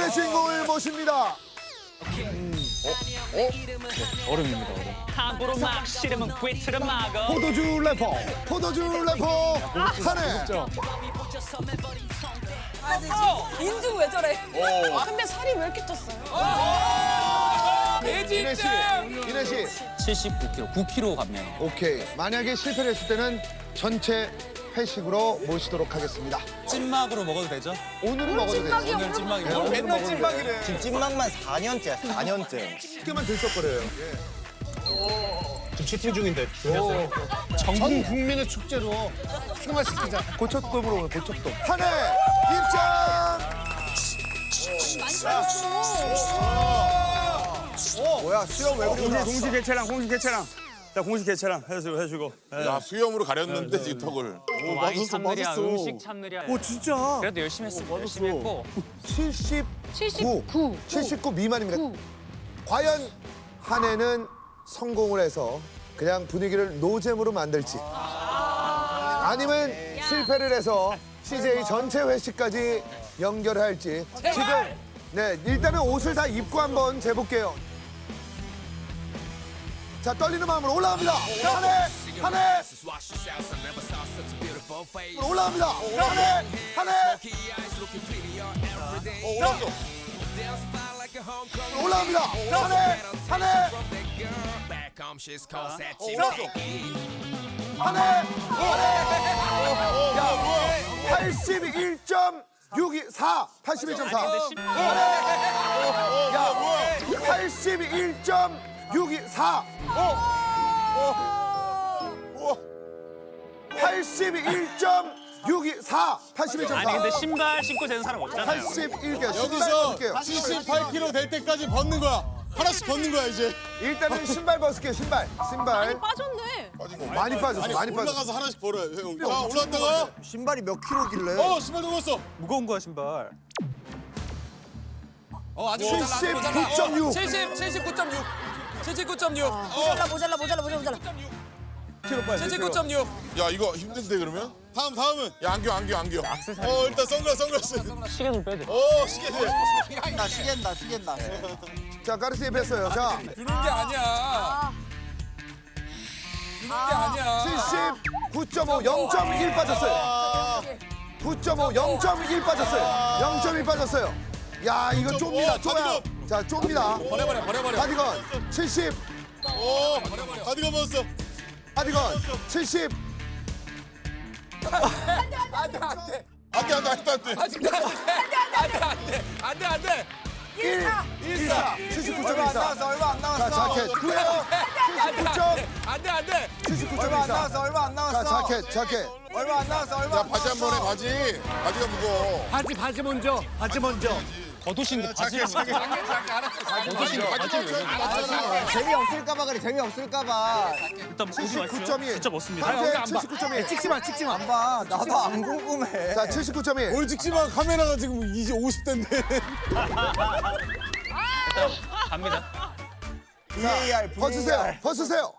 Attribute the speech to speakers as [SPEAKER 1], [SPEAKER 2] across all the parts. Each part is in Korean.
[SPEAKER 1] 오늘의 주인공을 모십니다.
[SPEAKER 2] 얼음입니다, 얼음.
[SPEAKER 3] 함부로 막 싫으면 꿰트를 막어.
[SPEAKER 1] 포도주 래퍼 한해.
[SPEAKER 4] 인중 왜 저래? 근데 살이 왜 이렇게 쪘어요?
[SPEAKER 1] 이내 씨
[SPEAKER 2] 79kg, 9kg 감량.
[SPEAKER 1] 오케이. 만약에 실패를 했을 때는 전체 회식으로 모시도록 하겠습니다.
[SPEAKER 2] 찐막으로 먹어도 되죠?
[SPEAKER 1] 오늘은 먹어도 돼요.
[SPEAKER 2] 오늘 찐막이요.
[SPEAKER 1] 맨날 찐빵이래.
[SPEAKER 5] 지금 찐막만 4년째야, 4년째.
[SPEAKER 1] 쉽게만 들썩거려요.
[SPEAKER 6] 지금 치팅 중인데.
[SPEAKER 1] 전 국민의 축제로 승화시키자. 고척돔으로 고척돔. 한해 입장.
[SPEAKER 5] 뭐야, 수영 왜 그러냐?
[SPEAKER 6] 공식 개체랑. 자, 공식 개체랑 해주고.
[SPEAKER 7] 야, 수염으로 가렸는데 지금 턱을.
[SPEAKER 3] 와인 참느랴, 음식 참느랴.
[SPEAKER 6] 오, 진짜?
[SPEAKER 3] 그래도 열심히 했어. 열심히 했고.
[SPEAKER 1] 79 미만입니다. 과연 한해는 성공을 해서 그냥 분위기를 노잼으로 만들지 아니면 실패를 해서 CJ 전체 회식까지 연결할지 지금 네 일단은 옷을 다 입고 한번 재볼게요. 자 떨리는 마음으로 올라갑니다. 한해 올라갑니다. 한해 올라갑니다. 한해 야 81.624 81.4 야 81.624 81.624 81.4
[SPEAKER 3] 아니 근데 신발 신고 되는 사람 없잖아요.
[SPEAKER 1] 81개
[SPEAKER 7] 여기서 78kg 될 때까지 벗는 거야. 하나씩 벗는 거야, 이제.
[SPEAKER 1] 일단은 신발 벗을게요. 신발.
[SPEAKER 4] 빠졌네.
[SPEAKER 1] 많이 빠졌어.
[SPEAKER 7] 아니,
[SPEAKER 1] 많이 빠졌어.
[SPEAKER 7] 올라가서 하나씩 벌어요, 형. 자, 올라왔다가.
[SPEAKER 5] 신발이 몇 킬로길래?
[SPEAKER 7] 신발 들었어.
[SPEAKER 6] 무거운 거야, 신발.
[SPEAKER 1] 79.6.
[SPEAKER 8] 79.6.
[SPEAKER 4] 모자라.
[SPEAKER 8] 79.6.
[SPEAKER 7] 야, 이거 힘든데, 그러면? 다음은? 야, 안경. 일단 선글라스.
[SPEAKER 3] 시계 좀 빼야 돼.
[SPEAKER 7] 시계들.
[SPEAKER 5] 시계다.
[SPEAKER 1] 자, 가르치에 뺐어요. 자,
[SPEAKER 8] 주는 게 아니야.
[SPEAKER 1] 79.5, 0.1 빠졌어요. 9.5, 0.1 빠졌어요. 0.1 빠졌어요. 야, 이거 좁니다. 좁아요. 자, 좁니다.
[SPEAKER 8] 버려버려.
[SPEAKER 1] 가디건 70.
[SPEAKER 7] 가디건 벗었어.
[SPEAKER 1] 가디건 70.
[SPEAKER 8] 안 돼.
[SPEAKER 1] 14. 79.14.
[SPEAKER 5] 얼마 안
[SPEAKER 1] 자,
[SPEAKER 5] 나왔어.
[SPEAKER 1] 자켓. 구해요.
[SPEAKER 8] 안 돼.
[SPEAKER 1] 79.14.
[SPEAKER 5] 얼마 안 나왔어.
[SPEAKER 1] 자, 자켓.
[SPEAKER 5] 얼마 안 나왔어.
[SPEAKER 7] 야, 바지 한 번에, 바지. 바지가 무거워.
[SPEAKER 6] 바지 먼저.
[SPEAKER 3] 겉옷인데 바지를
[SPEAKER 5] 재미없을까봐 그래, 재미없을까봐.
[SPEAKER 3] 일단 보지 마시죠.
[SPEAKER 1] 79.1.
[SPEAKER 3] 진짜 멋습니다.
[SPEAKER 1] 현재 79.1.
[SPEAKER 6] 찍지 마.
[SPEAKER 5] 안 봐. 나도 안 궁금해.
[SPEAKER 1] 자, 79.1.
[SPEAKER 7] 뭘 찍지 마. 카메라가 지금 이제 50대인데.
[SPEAKER 3] 갑니다.
[SPEAKER 5] VAR,
[SPEAKER 1] 벗으세요.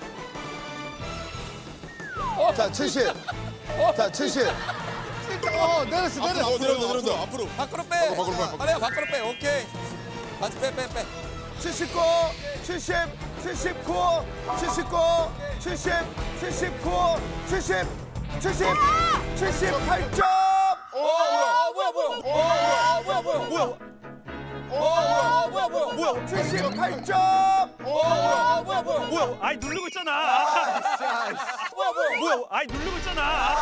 [SPEAKER 1] 자, 70. 자, 70. 내렸어.
[SPEAKER 7] 내려온다. 앞으로.
[SPEAKER 8] 밖으로 빼.
[SPEAKER 7] 밖으로 빼.
[SPEAKER 8] 밖으로 빼. 오케이. 바지 빼.
[SPEAKER 1] 79, 70, 79, 79, 70, 79, 70, 70, 78점! 뭐야? 78점!
[SPEAKER 3] 뭐야? 아이 누르고 있잖아. 뭐야? 아이 누르고 있잖아.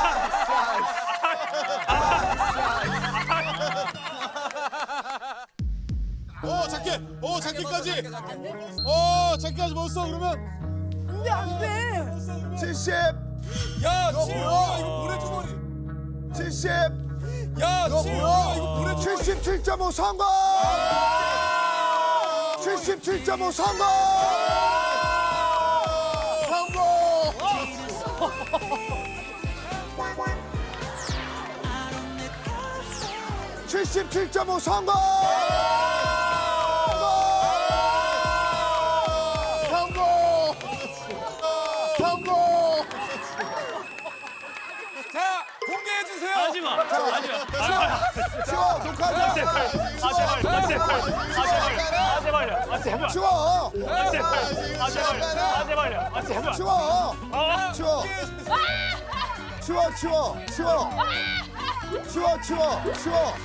[SPEAKER 7] 자켓까지. 자켓까지 벗었어, 그러면?
[SPEAKER 4] 안 돼.
[SPEAKER 1] 70,
[SPEAKER 8] 야, 지효야 이거 모래주머니.
[SPEAKER 1] 70,
[SPEAKER 8] 야, 지효야 이거 모래주머니.
[SPEAKER 1] 77.5 성공! 77.5 성공! 77.5 성공!
[SPEAKER 8] 자, 공개해 주세요.
[SPEAKER 3] 하지 마. 하지 마.
[SPEAKER 1] 치워 녹화하자.
[SPEAKER 3] 아 제발. 아 제발. 아 제발요. 아 제발.
[SPEAKER 1] 치워.
[SPEAKER 3] 아 제발. 아 제발요. 아 제발요. 아 제발.
[SPEAKER 1] 치워.
[SPEAKER 3] 아.
[SPEAKER 1] 치워. 치워 치워 치워. 치워 치워 치워.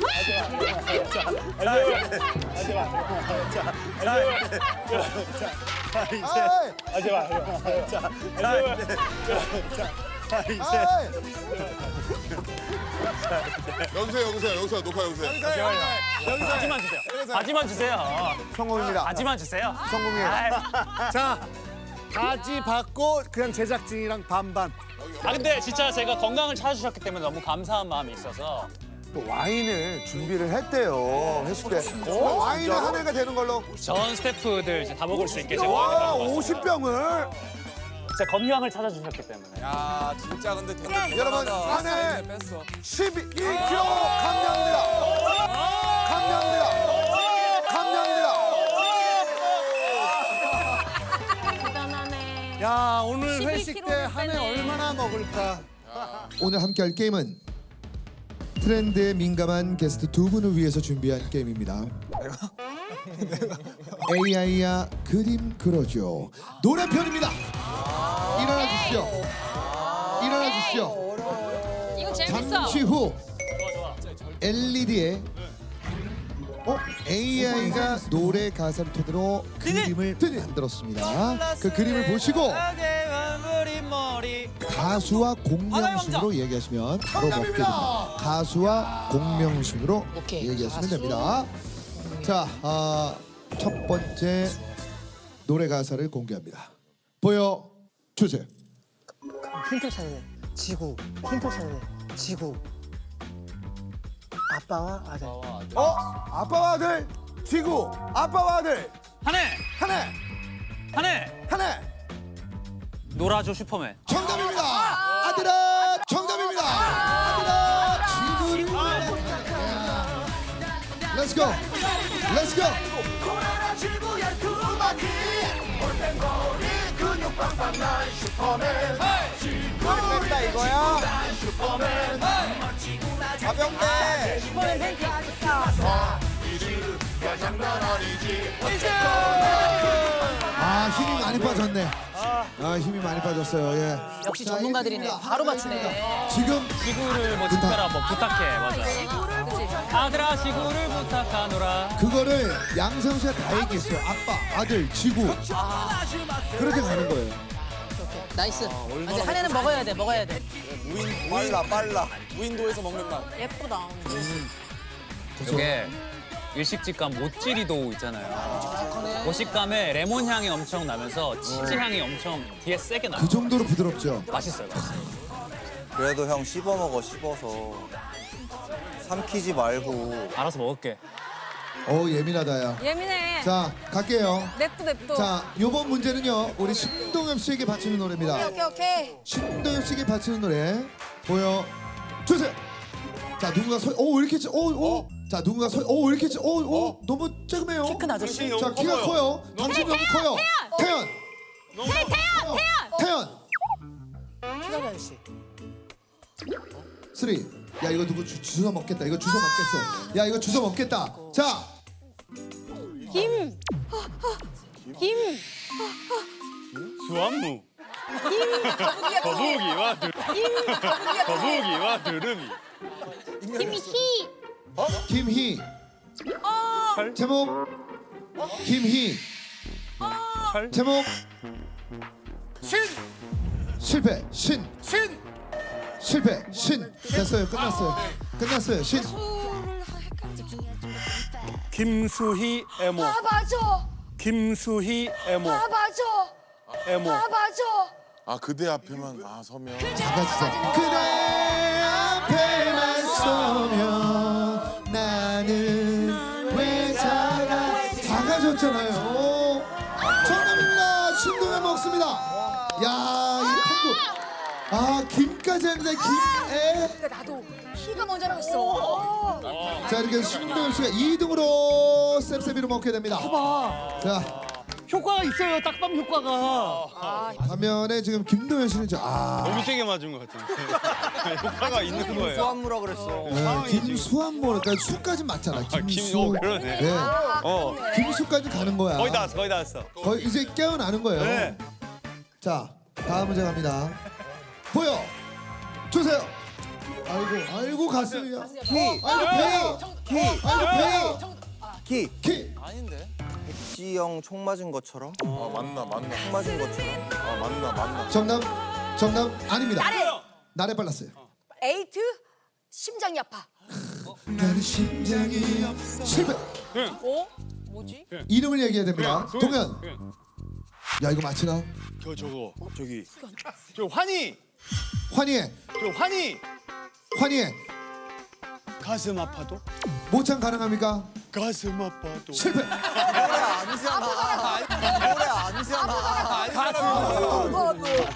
[SPEAKER 1] 아이.
[SPEAKER 3] 아 제발.
[SPEAKER 1] 아이.
[SPEAKER 7] 여기서 녹화 여기서.
[SPEAKER 3] 바지만 주세요. 바지만 주세요.
[SPEAKER 1] 성공입니다.
[SPEAKER 3] 바지만 주세요.
[SPEAKER 1] 성공이에요.
[SPEAKER 9] 자, 바지 받고 그냥 제작진이랑 반반.
[SPEAKER 2] 아 근데 진짜 제가 건강을 찾아주셨기 때문에 너무 감사한 마음이 있어서
[SPEAKER 1] 또 와인을 준비를 했대요. 회식 때. 와인을 한 해가 되는 걸로.
[SPEAKER 2] 전 스태프들 이제 다 먹을 수 있게 제가
[SPEAKER 1] 와,
[SPEAKER 2] 와인을 가져왔어요.
[SPEAKER 1] 50병을.
[SPEAKER 2] 진짜 건강을 찾아주셨기 때문에.
[SPEAKER 8] 야 진짜 근데 대단하다.
[SPEAKER 1] 여러분, 안에
[SPEAKER 8] 뺐어.
[SPEAKER 1] 12kg 감량입니다. 감량입니다. 감량입니다.
[SPEAKER 4] 대단하네.
[SPEAKER 9] 야, 오늘
[SPEAKER 4] 12kg
[SPEAKER 9] 회식 때 한 해
[SPEAKER 4] 빼네.
[SPEAKER 9] 얼마나 먹을까?
[SPEAKER 1] 오늘 함께할 게임은 트렌드에 민감한 게스트 두 분을 위해서 준비한 게임입니다. AI야 그림 그려줘. 노래편입니다. 일어나 주시죠. 일어나 주시죠.
[SPEAKER 4] 이거 재밌어.
[SPEAKER 1] 잠시 후 LED에 AI가 노래 가사를 토대로 그림을 만들었습니다. 그 그림을 보시고 가수와 공명순으로 얘기하시면 바로 먹게 됩니다. 가수와 공명순으로 얘기하시면 됩니다. 자, 첫 번째 노래 가사를 공개합니다. 보여주세요.
[SPEAKER 10] 힌트 찾네. 지구. 힌트 찾네. 지구. 아빠와 아들.
[SPEAKER 1] 아빠와 아들, 지구. 아빠와 아들.
[SPEAKER 2] 한 해!
[SPEAKER 1] 한 해.
[SPEAKER 2] 한 해!
[SPEAKER 1] 한 해.
[SPEAKER 2] 놀아줘 슈퍼맨.
[SPEAKER 1] 정답입니다. 아들아, 정답입니다. 아들아, 지구를. Let's go. Let's go.
[SPEAKER 5] 뺐다 이거야. 가볍네.
[SPEAKER 1] 힘이 많이 빠졌네. 힘이 많이 빠졌어요. 예.
[SPEAKER 4] 역시
[SPEAKER 1] 자,
[SPEAKER 4] 전문가들이네.
[SPEAKER 1] 일입니다.
[SPEAKER 4] 바로 맞추네.
[SPEAKER 1] 지금
[SPEAKER 2] 지구를 뭐 특별한 뭐 부탁해 맞아. 아들아 지구를 부탁하노라.
[SPEAKER 1] 그거를 양성 씨가 다 얘기했어요. 아빠, 아들, 지구. 그렇게 가는 거예요.
[SPEAKER 4] 나이스. 이제 한 해는 먹어야 돼. 먹어야 돼.
[SPEAKER 8] 빨라. 무인도에서 먹는 맛.
[SPEAKER 4] 예쁘다.
[SPEAKER 2] 이게 일식집 간 모찌리도 있잖아요. 그 식감에 레몬 향이 엄청 나면서 치즈 향이 엄청 뒤에 세게 나요.
[SPEAKER 1] 그 정도로 부드럽죠.
[SPEAKER 2] 맛있어요.
[SPEAKER 5] 그래도 형 씹어 먹어 씹어서. 삼키지 말고.
[SPEAKER 2] 알아서 먹을게.
[SPEAKER 1] 예민하다 야.
[SPEAKER 4] 예민해.
[SPEAKER 1] 자, 갈게요.
[SPEAKER 4] 냅둬.
[SPEAKER 1] 자, 요번 문제는요. 우리 신동엽 씨에게 바치는 노래입니다.
[SPEAKER 4] 오케이.
[SPEAKER 1] 신동엽 씨에게 바치는 노래 보여주세요. 자, 누군가 왜 이렇게 자, 누군가 왜 이렇게 너무 작으네요.
[SPEAKER 4] 키 큰 아저씨.
[SPEAKER 1] 자, 키가 커요. 당신이 너무 커요. 태연. 태연.
[SPEAKER 4] 키가 아저씨.
[SPEAKER 1] 3. 야, 이거 누구 주워 먹겠다. 이거 주워 먹겠어. 야, 이거 주워 먹겠다. 자,
[SPEAKER 4] 김.
[SPEAKER 3] 수완무. 거북이와 두루미.
[SPEAKER 4] 김희.
[SPEAKER 1] 김희. 제목 김희. 제목 실패. 실패. 됐어요. 끝났어요.
[SPEAKER 3] 김수희 에모.
[SPEAKER 4] 맞아.
[SPEAKER 3] 김수희 에모.
[SPEAKER 4] 맞아.
[SPEAKER 3] 에모.
[SPEAKER 4] 맞아.
[SPEAKER 7] 아 그대 앞에만 서면.
[SPEAKER 1] 작아지자. 그대 앞에만 서면 나는 왜 작아졌잖아요. 정답입니다. 신동엽 먹습니다. 야, 이 탱고. 김까지 했는데 김에.
[SPEAKER 4] 나도 키가 먼저 나갔어.
[SPEAKER 1] 자, 이렇게 해서 신동엽 씨가 2등으로 셉셉이로 먹게 됩니다. 자,
[SPEAKER 9] 효과가 있어요. 딱밤 효과가.
[SPEAKER 1] 화면에 지금 김도현 씨는
[SPEAKER 6] 너무 세게 맞은 것 같은데. 효과가 있는 거예요.
[SPEAKER 5] 수한무라 그랬어.
[SPEAKER 1] 김수한모 그러니까 수까지 맞잖아. 김수.
[SPEAKER 6] 그러네.
[SPEAKER 1] 네. 김수까지 가는 거야.
[SPEAKER 6] 거의 다 왔어, 거의 다 왔어.
[SPEAKER 1] 거의 이제 깨어나는 거예요.
[SPEAKER 6] 네.
[SPEAKER 1] 자, 다음 문제 갑니다. 보여 주세요. 아이고 가슴이야. 키.
[SPEAKER 5] 아닌데? 백지영 총 맞은 것처럼?
[SPEAKER 7] 아 맞나
[SPEAKER 5] 총 맞은 것처럼?
[SPEAKER 7] 아 맞나
[SPEAKER 1] 정답 아닙니다. 나래 빨랐어요.
[SPEAKER 4] 에이트 심장이 아파.
[SPEAKER 1] 나는 심장이 실패.
[SPEAKER 4] 어? 뭐지?
[SPEAKER 1] 이름을 얘기해야 됩니다. 동현. 야 이거 맞히나?
[SPEAKER 6] 저 환희.
[SPEAKER 1] 환희의
[SPEAKER 6] 가슴 아파도?
[SPEAKER 1] 모창 가능합니까?
[SPEAKER 6] 가슴 아파도.
[SPEAKER 1] 실패.
[SPEAKER 5] 노래 아니잖아. 노래 아니잖아.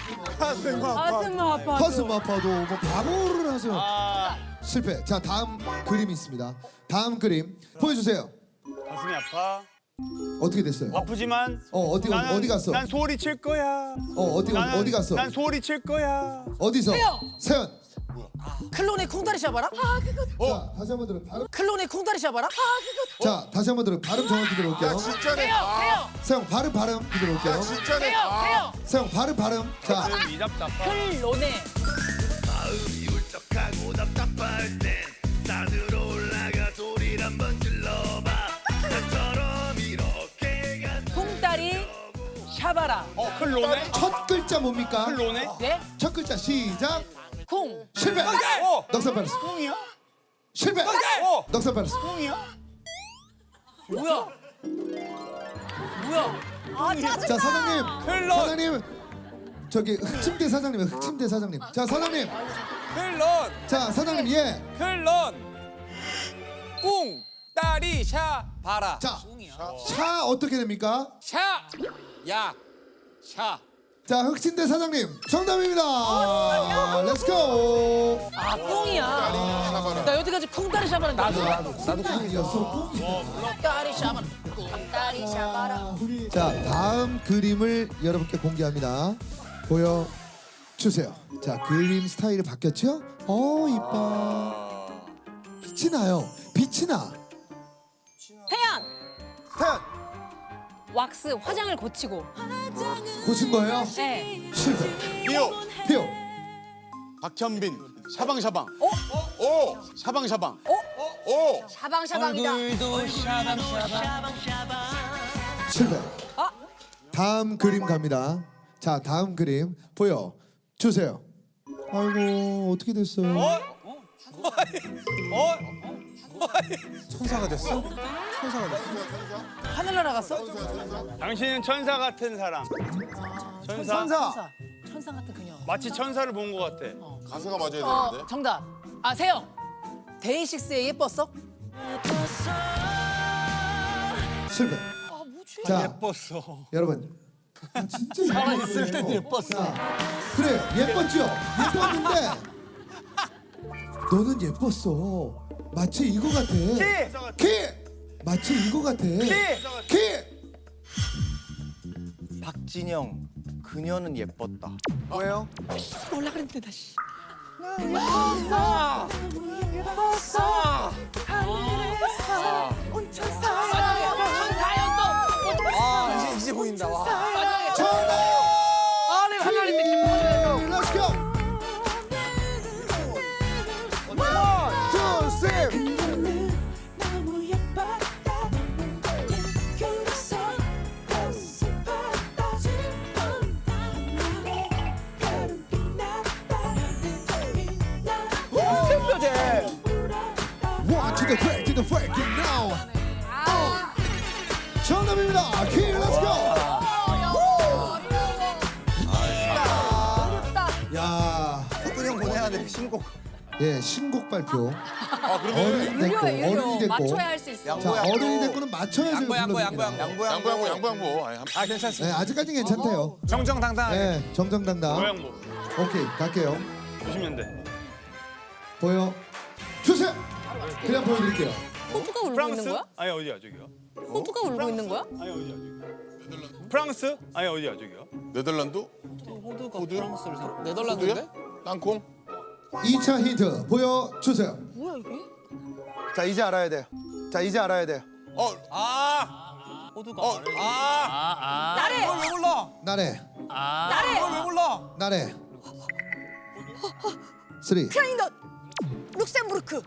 [SPEAKER 1] 가슴 아파도 뭐 바보를 하죠. 실패. 자 다음 그림이 있습니다. 다음 그림 보여주세요.
[SPEAKER 6] 가슴이 아파.
[SPEAKER 1] 어떻게 됐어요?
[SPEAKER 6] 아프지만.
[SPEAKER 1] 어디 갔어?
[SPEAKER 6] 난 소리 칠 거야.
[SPEAKER 1] 어디 갔어?
[SPEAKER 6] 난 소리 칠 거야.
[SPEAKER 1] 어디서? 세연.
[SPEAKER 10] 클론의 콩다리 샤바라?
[SPEAKER 1] 자 다시 한번 들어. 발음.
[SPEAKER 10] 클론의 콩다리 샤바라?
[SPEAKER 1] 자 다시 한번 들어. 발음 정확히 들어올게요.
[SPEAKER 7] 진짜네
[SPEAKER 1] 세영 발음 들어올게요.
[SPEAKER 7] 진짜네
[SPEAKER 1] 세영 발음. 자
[SPEAKER 10] 클론의 콩다리 샤바라.
[SPEAKER 6] 클로네?
[SPEAKER 1] 첫 글자 뭡니까?
[SPEAKER 6] 클로네?
[SPEAKER 10] 네?
[SPEAKER 1] 첫 글자 시작.
[SPEAKER 10] 콩.
[SPEAKER 1] 실패. 넉살 빨았어.
[SPEAKER 6] 콩이야?
[SPEAKER 1] 실패. 넉살 빨았어.
[SPEAKER 6] 콩이야?
[SPEAKER 10] 뭐야?
[SPEAKER 1] 자 사장님 저기 흑침대 사장님 자 사장님
[SPEAKER 8] 클론
[SPEAKER 1] 자 사장님
[SPEAKER 8] 클론 꿍 다리 샤 바라
[SPEAKER 1] 차 어떻게 됩니까?
[SPEAKER 8] 샤
[SPEAKER 1] 자 흑침대 사장님 정답입니다. 렛츠고.
[SPEAKER 10] 아 콩이야. 나 여태까지 콩다리 샤바라 나도.
[SPEAKER 1] 콩이었어.
[SPEAKER 10] 콩다리 샤바라.
[SPEAKER 4] 콩다리 샤바라.
[SPEAKER 1] 자 다음 그림을 여러분께 공개합니다. 보여 주세요. 자 그림 스타일이 바뀌었죠? 이뻐. 빛이 나요.
[SPEAKER 4] 태연
[SPEAKER 1] 태연
[SPEAKER 4] 왁스 화장을 고치고.
[SPEAKER 1] 고친 거예요?
[SPEAKER 4] 네.
[SPEAKER 1] 실패.
[SPEAKER 7] 피오
[SPEAKER 8] 박현빈 샤방샤방
[SPEAKER 7] 오
[SPEAKER 8] 샤방샤방
[SPEAKER 7] 오
[SPEAKER 4] 샤방샤방이다.
[SPEAKER 2] 얼굴도 샤방샤방.
[SPEAKER 1] 실패. 다음 그림 갑니다. 자 다음 그림 보여 주세요. 아이고 어떻게 됐어요?
[SPEAKER 5] 천사가 됐어?
[SPEAKER 10] 하늘 날아갔어?
[SPEAKER 6] 당신은 천사 같은 사람. 천사.
[SPEAKER 10] 천사 같은 그녀.
[SPEAKER 6] 마치 천사를 본 것 같아.
[SPEAKER 7] 가사가 맞아야 되는데
[SPEAKER 10] 정답. 아 세영. 데이식스의 예뻤어?
[SPEAKER 1] 실패.
[SPEAKER 10] 뭐지?
[SPEAKER 1] 자
[SPEAKER 6] 예뻤어.
[SPEAKER 1] 여러분 진짜 살아있을 때도 예뻤어. 그래 예뻤죠? 예뻤는데 너는 예뻤어. 마치 이거 같아. 키 마치 이거 같아. 키
[SPEAKER 5] 박진영 그녀는 예뻤다.
[SPEAKER 1] 뭐예요?
[SPEAKER 10] 올라 그랬는데 다시.
[SPEAKER 8] 아 이제 보인다 와
[SPEAKER 1] 정답.
[SPEAKER 10] 아니 하나님 느낌.
[SPEAKER 1] Let's go. 1, 2, 3. To the break it now. 정답입니다. 키 Let's go. 야,
[SPEAKER 5] 형 보내야 돼 신곡.
[SPEAKER 1] 예 신곡 발표.
[SPEAKER 7] 그러면
[SPEAKER 1] 어른이 됐고
[SPEAKER 4] 맞춰야 할 수 있어.
[SPEAKER 1] 자 어른이 됐고는 맞춰야지 불러줍니다.
[SPEAKER 7] 양보
[SPEAKER 8] 아 괜찮습니다
[SPEAKER 1] 네, 아직까지 괜찮대요.
[SPEAKER 8] 정정당당하게
[SPEAKER 1] 네, 정정당당.
[SPEAKER 6] 고양모.
[SPEAKER 1] 오케이 갈게요.
[SPEAKER 6] 90년대.
[SPEAKER 1] 보여 주세요. 그냥 보여드릴게요.
[SPEAKER 4] 호두가 울고 있는
[SPEAKER 6] 프랑스?
[SPEAKER 4] 거야?
[SPEAKER 6] 아니 어디야 저기요?
[SPEAKER 4] 호두가 울고 있는 거야?
[SPEAKER 6] 아니 어디야 저기요? 프랑스? 아니 어디야 저기요?
[SPEAKER 7] 네덜란드?
[SPEAKER 2] 호두가 프랑스를 생
[SPEAKER 8] 네덜란드인데?
[SPEAKER 7] 땅콩?
[SPEAKER 1] 2차 힌트 보여주세요.
[SPEAKER 4] 뭐야 이게?
[SPEAKER 1] 자, 이제 알아야 돼요. 자, 이제 알아야 돼요.
[SPEAKER 2] 호두가
[SPEAKER 4] 나래!
[SPEAKER 8] 왜 몰라?
[SPEAKER 1] 나래,
[SPEAKER 4] 나래!
[SPEAKER 8] 왜 몰라?
[SPEAKER 1] 나래. 3.
[SPEAKER 4] 크라이넛! 룩셈부르크!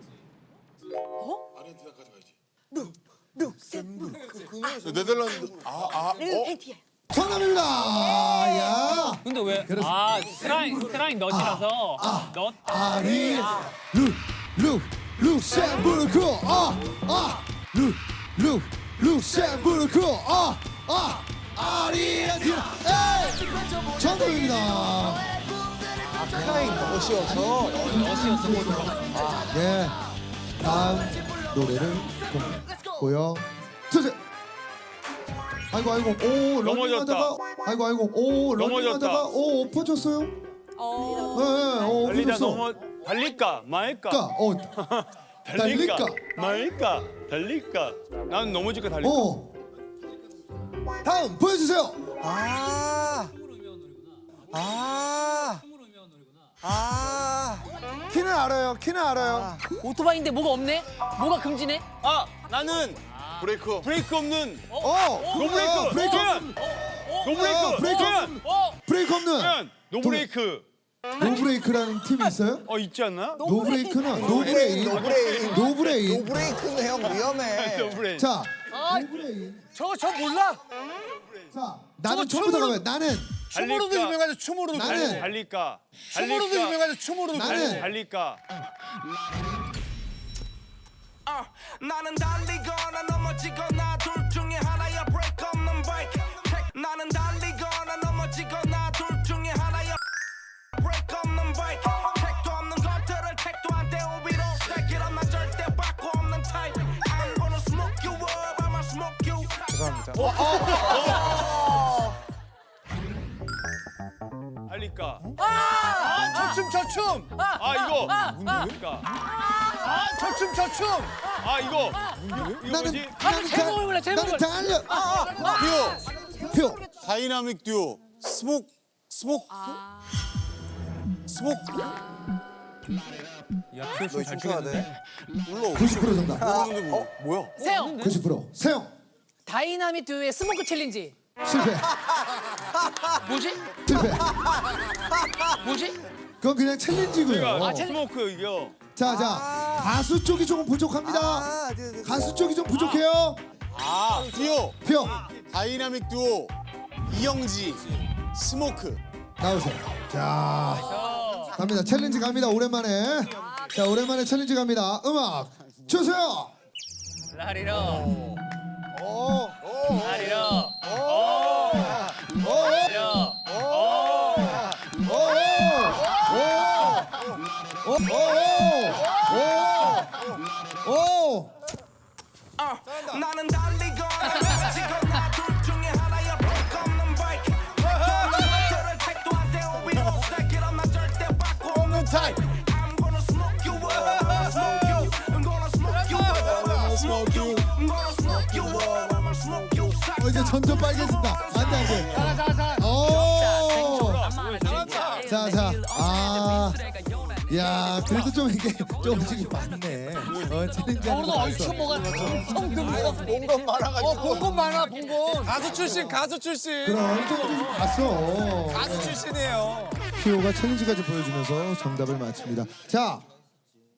[SPEAKER 7] 네덜란드.
[SPEAKER 4] 르헨티아.
[SPEAKER 1] 정답입니다. 야.
[SPEAKER 2] 근데 왜? 트라잉 넛이라서 넛.
[SPEAKER 1] 아리 룩셈부르크 룩셈부르크 아리엔티나 에이 정답입니다.
[SPEAKER 5] 크라잉 멋이어서.
[SPEAKER 2] 넛이었어 호두가.
[SPEAKER 1] 네 다음 노래를 보여주세요. 아이고 오 러닝하다가 아이고 오 러닝하다가 오 엎어졌어요. 네
[SPEAKER 6] 달리다
[SPEAKER 1] 엎어졌어.
[SPEAKER 6] 달릴까 말까?
[SPEAKER 1] 달릴까
[SPEAKER 6] 말까? 달릴까? 난 넘어질까 달릴까?
[SPEAKER 1] 다음 보여주세요. 키는 알아요. 키는 알아요.
[SPEAKER 10] 오토바이인데 뭐가 없네? 뭐가 금지네?
[SPEAKER 6] 아 나는
[SPEAKER 7] 브레이크.
[SPEAKER 6] 없는
[SPEAKER 1] 노브레이크. 브레이크.
[SPEAKER 6] 노브레이크.
[SPEAKER 1] 브레이크. 브레이크 없는.
[SPEAKER 6] 는 노브레이크.
[SPEAKER 1] 노브레이크라는 팀이 있어요?
[SPEAKER 6] 있지 않나?
[SPEAKER 1] 노브레이크는 노브레인. 노브레인.
[SPEAKER 5] 노브레이크는 형 위험해.
[SPEAKER 6] 노브레이크.
[SPEAKER 1] 자, 노브레인.
[SPEAKER 8] 저 몰라?
[SPEAKER 1] 자, 나는 처음부터 가면 나는
[SPEAKER 8] 춤으로도 유명하죠. 춤으로도.
[SPEAKER 1] 나는
[SPEAKER 6] 달릴까?
[SPEAKER 8] 춤으로도 유명하죠. 춤으로도.
[SPEAKER 1] 나는
[SPEAKER 6] 달릴까?
[SPEAKER 11] 나는 달리거나 넘어지거나 둘 중에 하나야 브레이크 없는 바이크 나는 달리거나 넘어지거나 둘 중에 하나야 브레이크 없는 바이크 택도 없는 것들을 택도 안 떼오비로 Stack it up 난 절대 바꾸 없는 타입 I'm gonna smoke you up I'ma smoke you
[SPEAKER 6] 달릴까?
[SPEAKER 8] 저 춤.
[SPEAKER 6] 이거 달릴까?
[SPEAKER 8] 저 춤.
[SPEAKER 6] 이거
[SPEAKER 1] 나는
[SPEAKER 6] 뭐지?
[SPEAKER 10] 제목을 몰라, 제목을.
[SPEAKER 1] 나는 달려. 표.
[SPEAKER 8] 다이나믹 듀오. 스모크.
[SPEAKER 2] 야 표시 잘
[SPEAKER 5] 춰야
[SPEAKER 2] 추겠는데?
[SPEAKER 5] 돼.
[SPEAKER 1] 90% 정답.
[SPEAKER 8] 뭐야?
[SPEAKER 10] 세영.
[SPEAKER 1] 90%. 세영.
[SPEAKER 10] 다이나믹 듀오의 스모크 챌린지.
[SPEAKER 1] 실패.
[SPEAKER 10] 뭐지?
[SPEAKER 1] 실패.
[SPEAKER 10] 뭐지?
[SPEAKER 1] 그건 그냥 챌린지고요.
[SPEAKER 6] 스모크 이거.
[SPEAKER 1] 자, 가수 쪽이 조금 부족합니다. 가수 쪽이 좀 부족해요.
[SPEAKER 8] 듀오.
[SPEAKER 1] 표.
[SPEAKER 8] 다이나믹 듀오. 이영지. 스모크.
[SPEAKER 1] 나오세요. 자, 갑니다. 챌린지 갑니다. 오랜만에. 자, 오랜만에 챌린지 갑니다. 음악 주세요.
[SPEAKER 2] 라리로.
[SPEAKER 1] 오,
[SPEAKER 2] 라리로.
[SPEAKER 1] 오,
[SPEAKER 2] 라리로.
[SPEAKER 1] 오.
[SPEAKER 11] 나는 달리거나 넘어지거나 둘 중에 하나야 브레이크 없는 바이크 택도 없는 것들을 택도 안 떼오비로 Stack it up 난 절대 바꾸 없는 타입 I'm gonna smoke you up I'ma smoke you I'm gonna smoke you up I'ma smoke you I'm gonna smoke you up I'ma smoke you
[SPEAKER 1] 이제 점점 빨개진다. 안 돼. 오. 자. 야, 그래도 좀 이게 조금씩 많네. 챌린지 하는 거 봤어.
[SPEAKER 10] 뭐가
[SPEAKER 5] 본건 많아가지고.
[SPEAKER 8] 본건 많아, 본건. 가수 출신.
[SPEAKER 1] 그럼 조금 봤어.
[SPEAKER 8] 가수 출신이에요.
[SPEAKER 1] 피오가 챌린지까지 보여주면서 정답을 맞춥니다. 자,